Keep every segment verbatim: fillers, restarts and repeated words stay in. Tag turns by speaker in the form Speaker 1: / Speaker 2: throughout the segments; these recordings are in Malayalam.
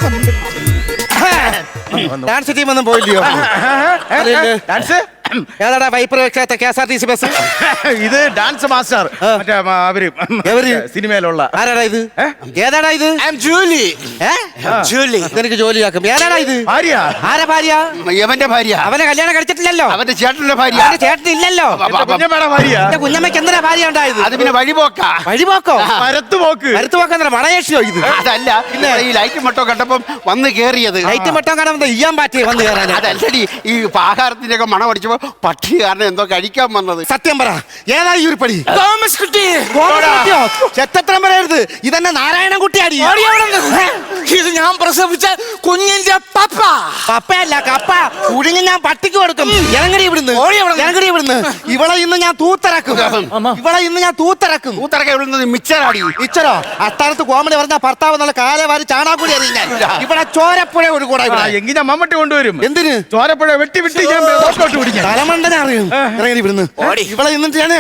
Speaker 1: ഡാൻസ് ടീം ഒന്നും പോയില്ലയോ?
Speaker 2: ഡാൻസ്
Speaker 1: ഏതാടാ വൈപ്പർ വെക്കാത്ത K S R T C bus?
Speaker 2: ഇത് ഡാൻസ് മാസ്റ്റർ മറ്റേ അവര്
Speaker 1: എവര്
Speaker 2: സിനിമയിലുള്ള.
Speaker 1: ആരാടാ ഇത്? ഏതാടാ ഇത്?
Speaker 3: ജൂലി.
Speaker 1: ജൂലി നിനക്ക് ജോലിയാക്കും. ഏതാടാ ഇത്?
Speaker 2: ഭാര്യ.
Speaker 1: ആരാ ഭാര്യ?
Speaker 3: യവന്റെ ഭാര്യ.
Speaker 1: അവനെ കല്യാണം കഴിച്ചിട്ടില്ലല്ലോ.
Speaker 3: അവന്റെ ചേട്ടന്റെ ഭാര്യ.
Speaker 1: അവന്റെ ചേട്ടൻ ഇല്ലല്ലോ.
Speaker 2: കുഞ്ഞമ്മയുടെ ഭാര്യ.
Speaker 1: എന്റെ കുഞ്ഞമ്മയ്ക്ക് എന്തിനാ ഭാര്യ ഉണ്ടായത്?
Speaker 3: അത് പിന്നെ വഴിപോക്കാ.
Speaker 1: വഴിപോക്കോ?
Speaker 2: പരത്തുപോക്ക്.
Speaker 1: പരത്തുപോക്കെന്താ മണയേഷിയോ ഇത്?
Speaker 3: അതല്ല, പിന്നെ ഈ ലൈറ്റ് മട്ടോ കണ്ടപ്പം വന്ന് കേറിയത്.
Speaker 1: ലൈറ്റ് മട്ടോ കാണുമ്പോ ഇയ്യാൻ പാറ്റി വന്ന് കയറാൻ.
Speaker 3: അതല്ലടി, ഈ ആഹാരത്തിന്റെ ഒക്കെ മണം അടിച്ചപ്പോ പട്ടി കാരണം എന്തോ കഴിക്കാൻ വന്നത്.
Speaker 1: സത്യം പറ, ഏതാ ഈ ഒരു പടി?
Speaker 3: തോമസ് കുട്ടി.
Speaker 1: ചെത്തത്രം പറയരുത്, ഇതെന്നെ നാരായണൻ കുട്ടിയാടി.
Speaker 3: ഇത് ഞാൻ പ്രസവിച്ച കുഞ്ഞിന്റെ പപ്പ.
Speaker 1: പപ്പയല്ല കപ്പ. കുഴിഞ്ഞ് ഞാൻ പട്ടിക്ക് കൊടുക്കും. ഇറങ്ങടി ഇവിടുന്ന്, ഇറങ്ങടി ഇവിടുന്ന്. ഇവളെ ഇന്ന് ഞാൻ തൂത്തിറക്കും. ഇവളെ ഇന്ന് ഞാൻ തൂത്തിറക്കും.
Speaker 3: തൂത്തിറക്ക വിടുന്നത് മിച്ചറാടി.
Speaker 1: മിച്ചറോ? അത്താഴത്ത് കോമഡി പറഞ്ഞ ഭർത്താവ് നല്ല കാലെ വാരി ചാണാക്കൂടി അറിയാൻ. ഇവിടെ ചോരപ്പുഴ ഒരു കൂടെ.
Speaker 2: എങ്കിൽ ഞാൻ മമ്മട്ടി കൊണ്ടുവരും.
Speaker 1: എന്തിന്?
Speaker 2: ചോരപ്പുഴ വെട്ടി വെട്ടി ഞാൻ പിടിക്കാം.
Speaker 1: തലമണ്ടനെ അറിയും. ഇറങ്ങി ഇവിടുന്ന്. ഇവളെ ഇന്നിട്ട് ഞാൻ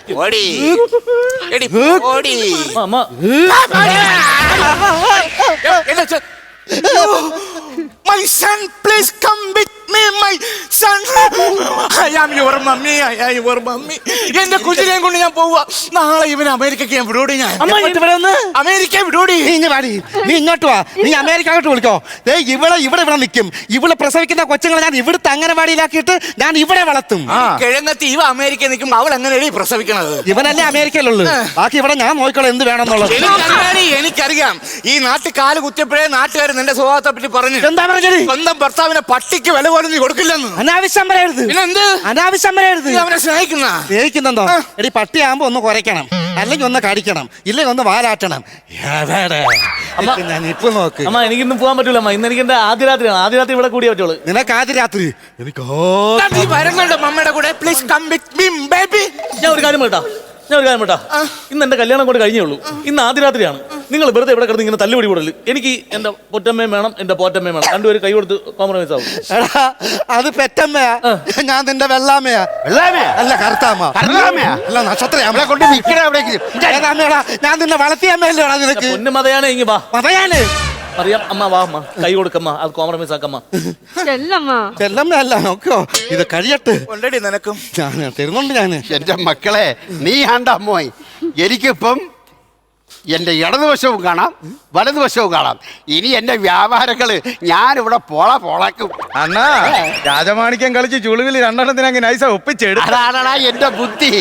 Speaker 3: My son, please come with me, my son. I am your mummy, I am your mummy. എന്റെ കുഞ്ഞിനെയും കൊണ്ട് ഞാൻ പോവുക. നാളെ ഇവന് അമേരിക്കക്ക് ഞാൻ വിടോടി. ഞാൻ അമേരിക്ക വിടോടി.
Speaker 1: നീ ഇങ്ങ് വാടി, നീ ഇങ്ങോട്ട് വാ. നീ അമേരിക്കോട്ട് വിളിക്കോ. ദേ ഇവളെ ഇവിടെ ഇവിടെ നിൽക്കും. ഇവളെ പ്രസവിക്കുന്ന കൊച്ചുങ്ങളെ ഞാൻ ഇവിടുത്തെ അംഗനവാടിയിലാക്കിയിട്ട് ഞാൻ ഇവിടെ വളർത്തും.
Speaker 3: കിഴങ്ങത്തി ഇവ അമേരിക്ക നിൽക്കുമ്പോ അവൾ എങ്ങനെയാണ് പ്രസവിക്കണത്?
Speaker 1: ഇവനല്ലേ അമേരിക്കയിലുള്ളു. ബാക്കി ഇവിടെ ഞാൻ നോക്കിക്കോളാം എന്ത് വേണമെന്നുള്ളത്.
Speaker 3: എനിക്കറിയാം. ഈ നാട്ടിൽ കാല് കുത്തിയപ്പോഴേ നാട്ടുകാർ നിന്റെ സ്വഭാവത്തെ പറ്റി പറഞ്ഞു.
Speaker 1: എന്താ പറഞ്ഞത്?
Speaker 3: സ്വന്തം ഭർത്താവിനെ പട്ടിക്ക് വില പോലും നീ കൊടുക്കില്ലെന്ന്.
Speaker 1: അനാവശ്യം പറയരുത്.
Speaker 3: എന്ത് അനാവശ്യം
Speaker 1: പറയരുത്?
Speaker 3: അവനെ സ്നേഹിക്കുന്ന
Speaker 1: സ്നേഹിക്കുന്നെന്തോ? എടി പട്ടിയാകുമ്പോ ഒന്ന് കുറയ്ക്കണം, അല്ലെങ്കിൽ ഒന്ന് കടിക്കണം, ഇല്ലെങ്കിൽ ഒന്ന് വാലാട്ടണം. ഞാൻ ഇപ്പൊ നോക്ക്.
Speaker 4: അമ്മ എനിക്കിന്ന് പോകാൻ പറ്റൂല. അമ്മ ഇന്ന് എനിക്ക് എന്റെ ആദ്യ രാത്രിയാണ്. ആദ്യ രാത്രി ഇവിടെ കൂടിയേ പറ്റുള്ളൂ.
Speaker 1: നിനക്ക് ആദ്യ രാത്രി? എനിക്ക്
Speaker 3: വരുന്നുണ്ട് മമ്മയുടെ കൂടെ. Please come with me baby.
Speaker 4: ഞാൻ ഒരു കാര്യം കേട്ടാ ഞാൻ ഒരു കാര്യം കേട്ടാ ഇന്ന് എന്റെ കല്യാണം കൊണ്ട് കഴിഞ്ഞേ ഉള്ളൂ. ഇന്ന് ആദ്യ രാത്രിയാണ്. നിങ്ങൾ വെറുതെ ഇവിടെ കിടന്ന് ഇങ്ങനെ തല്ലുപിടി കൂടല്. എനിക്ക് എന്റെ പൊറ്റമ്മയും വേണം, എന്റെ പോറ്റമ്മയും വേണം. രണ്ടുപേരും കൈ കൊടുത്ത് കോംപ്രമൈസ് ആവും.
Speaker 1: എടാ അത് പെറ്റമ്മയാ, ഞാൻ നിന്റെ വെള്ളാമയാ.
Speaker 3: വെള്ളാമയാ
Speaker 1: അല്ല കറുത്താമ്മ. അല്ല നക്ഷത്ര
Speaker 3: കൊണ്ട്
Speaker 1: ഞാൻ നിന്നെ വളർത്തിയ അമ്മയല്ലേടാ നിനക്ക്?
Speaker 4: പൊന്നു മതയാണ്. ഇങ്ങ് വാ.
Speaker 1: മതയാണ്
Speaker 4: അറിയാം. അമ്മ വാ അമ്മ, കൈ കൊടുക്കമ്മ. അത് കോംപ്രമൈസ് ആക്കമ്മ.
Speaker 1: ചെല്ലമ്മ അല്ല നോക്കോ, ഇത് കഴിയട്ട്.
Speaker 3: ഓൾറെഡി നിനക്കും
Speaker 1: ഞാൻ തരുന്നുണ്ട്. ഞാൻ
Speaker 3: എന്റെ മക്കളെ നീ ആണ്ട അമ്മോയ്. എനിക്കിപ്പം എന്റെ ഇടതുവശവും കാണാം, വലതുവശവും കാണാം. ഇനി എന്റെ വ്യാപാരങ്ങള് ഞാനിവിടെ പോള പോളാക്കും.
Speaker 2: അണ്ണാ രാജമാണിക്യം കളിച്ച് ചുളിവിൽ രണ്ടെണ്ണത്തിന് അങ്ങനെ നൈസ ഒപ്പിച്ചെടുത്തു.
Speaker 3: അതാണടാ എന്റെ ബുദ്ധി.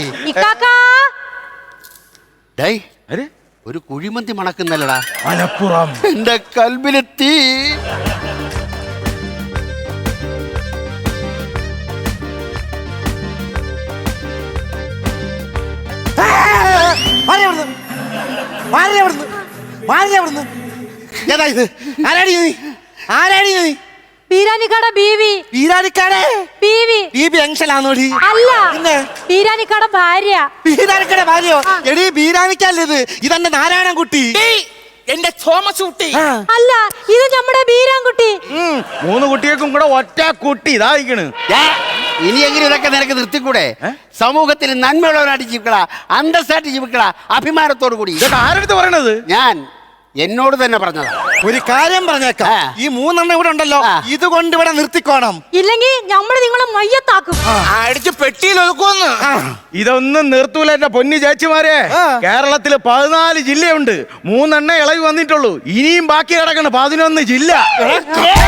Speaker 3: ഒരു കുഴിമന്തി മണക്കുന്നല്ലടാ
Speaker 2: മലപ്പുറം.
Speaker 3: എന്റെ കൽബിലെത്തി.
Speaker 1: ഏതാ ഇത്? ആരാടി നീ? ആരാടി നീ?
Speaker 5: പീരാനിക്കാട ബീവി.
Speaker 1: പീരാനിക്കാട ബീവി? ബീബി എങ്ഷലാന്നോടി?
Speaker 5: അല്ല, പീരാനിക്കാട ഭാര്യ.
Speaker 1: പീരാനിക്കാട ഭാര്യയോ? എടി ബീരാനിക്കല്ല ഇത്, ഇതെന്റെ നാരായണൻ കുട്ടി.
Speaker 3: എന്റെ തോമസ് കുട്ടി.
Speaker 5: അല്ല, ഇത് നമ്മുടെ ബീരാൻകുട്ടി.
Speaker 2: മൂന്ന് കുട്ടികൾക്കും കൂടെ ഒറ്റ കുട്ടി ഇതാ ഇരിക്കണ്.
Speaker 3: ഇനിയെങ്കിലും ഇതൊക്കെ നിനക്ക് നിർത്തിക്കൂടെ? സമൂഹത്തിൽ നന്മയുള്ളവരായിട്ട് ജീവിക്കടാ, അന്തസ്സായിട്ട് ജീവിക്കടാ, അഭിമാനത്തോടു കൂടി.
Speaker 2: ആരെടുത്ത് പറയണത്?
Speaker 3: ഞാൻ എന്നോട് തന്നെ പറഞ്ഞതാ.
Speaker 1: ഒരു കാര്യം പറഞ്ഞേക്കാം, ഈ മൂന്നെണ്ണം ഇവിടെ ഉണ്ടല്ലോ, ഇതുകൊണ്ട് ഇവിടെ നിർത്തിക്കോണം.
Speaker 5: ഇല്ലെങ്കിൽ നമ്മൾ നിങ്ങളെ മയ്യത്താക്കും.
Speaker 3: അടിച്ച് പെട്ടിയിൽ ഒതുക്കുമെന്ന്.
Speaker 2: ഇതൊന്നും നിർത്തൂല എന്റെ പൊന്നി ചേച്ചിമാരെ. കേരളത്തില് പതിനാല് ജില്ലയുണ്ട്, മൂന്നെണ്ണ ഇളവ് വന്നിട്ടുള്ളൂ. ഇനിയും ബാക്കി കിടക്കണ പതിനൊന്ന് ജില്ല.